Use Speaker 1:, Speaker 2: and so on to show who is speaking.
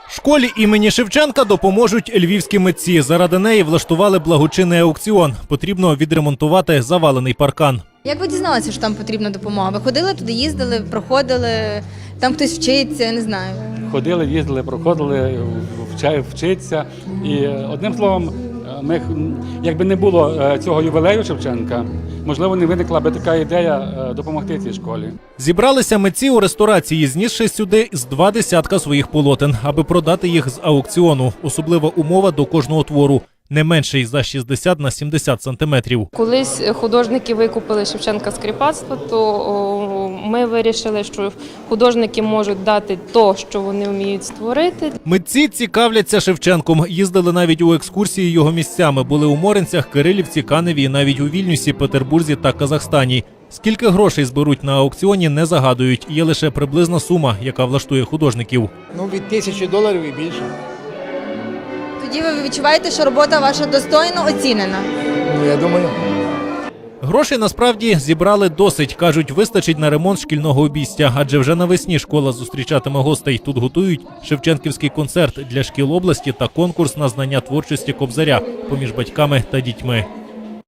Speaker 1: Школі імені Шевченка допоможуть львівські митці. Заради неї влаштували благочинний аукціон. Потрібно відремонтувати завалений паркан.
Speaker 2: Як ви дізналися, що там потрібна допомога? Ви ходили туди, їздили, проходили, там хтось вчиться, я не знаю.
Speaker 3: Ходили, їздили, проходили, вчиться. І одним словом, ми, якби не було цього ювілею Шевченка, можливо, не виникла би така ідея допомогти цій школі.
Speaker 1: Зібралися митці у ресторації, знісши сюди з 20 своїх полотен, аби продати їх з аукціону. Особлива умова до кожного твору – не менший за 60 на 70 сантиметрів.
Speaker 4: Колись художники викупили Шевченка з кріпацтва, то ми вирішили, що художники можуть дати те, що вони вміють створити.
Speaker 1: Митці цікавляться Шевченком. Їздили навіть у екскурсії його місцями. Були у Моринцях, Кирилівці, Каневі, навіть у Вільнюсі, Петербурзі та Казахстані. Скільки грошей зберуть на аукціоні, не загадують. Є лише приблизна сума, яка влаштує художників.
Speaker 5: Від $1000 і більше.
Speaker 2: Тоді ви відчуваєте, що робота ваша достойно оцінена?
Speaker 5: Я думаю.
Speaker 1: Грошей насправді зібрали досить. Кажуть, вистачить на ремонт шкільного обійстя. Адже вже навесні школа зустрічатиме гостей. Тут готують шевченківський концерт для шкіл області та конкурс на знання творчості Кобзаря поміж батьками та дітьми.